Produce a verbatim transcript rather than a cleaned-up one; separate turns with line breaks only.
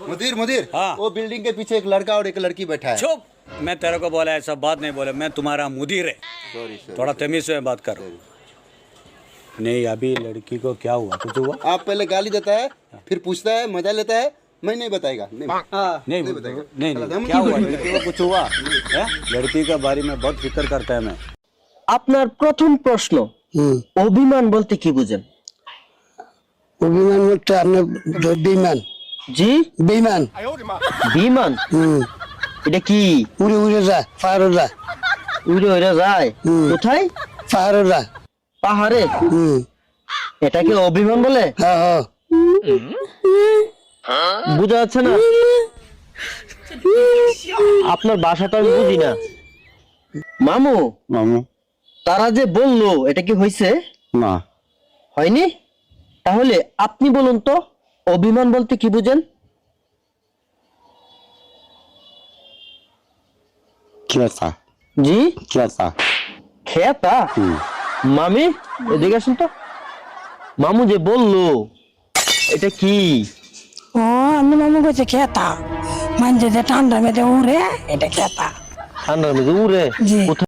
मुदीर मुदीर
हाँ।
वो बिल्डिंग के पीछे एक लड़का और एक लड़की बैठा है।
चुप। मैं तेरे को बोला ऐसा बात नहीं बोले, मैं तुम्हारा मुदीर है।
सॉरी सॉरी
थोड़ा तमीज से बात करो। नहीं अभी लड़की को क्या हुआ, कुछ हुआ?
आप पहले गाली देता है, फिर पूछता है, मजा लेता है। मैं नहीं बताएगा। नहीं हाँ,
नहीं
नहीं
नहीं
बताएगा।
नहीं,
चला,
नहीं।
हम
क्या
क्यों
हुआ,
बोलेंगे?
लड़की को कुछ हुआ है? लड़की के बारे में बहुत फिक्र करता है मैं।
আপনার প্রথম প্রশ্ন,
হুম
অভিমান বলতে কি বুঝেন?
অভিমান বলতে আপনার বেইমান
জি,
বেইমান
বিমান।
হুম
এটা কি?
উড়ে উড়ে যা পাহাড়ে যা
উড়ে উড়ে যায়
হুম।
কোথায়?
পাহাড়ে যা
পাহাড়ে।
হুম
এটাকে অভিমান বলে?
হ্যাঁ হ্যাঁ
বোঝা যাচ্ছে না আপনার ভাষাটা আমি বুঝি না। মামু,
মামু
তারা যে বললো এটা কি হয়েছে?
না
হয়নি? তাহলে আপনি বলুন তো অভিমান বলতে কি বুঝেন?
কেতা
জি,
কেতা
খেতা। মামি এদিকে আসুন তো। মামু যে বললো এটা কি?
ও আমি মামু কইছে খেতা, মানে যে ঠান্ডা মেয়েদের উড়ে এটা খেতা।
ঠান্ডার মধ্যে উড়ে?
জি।
কোথায়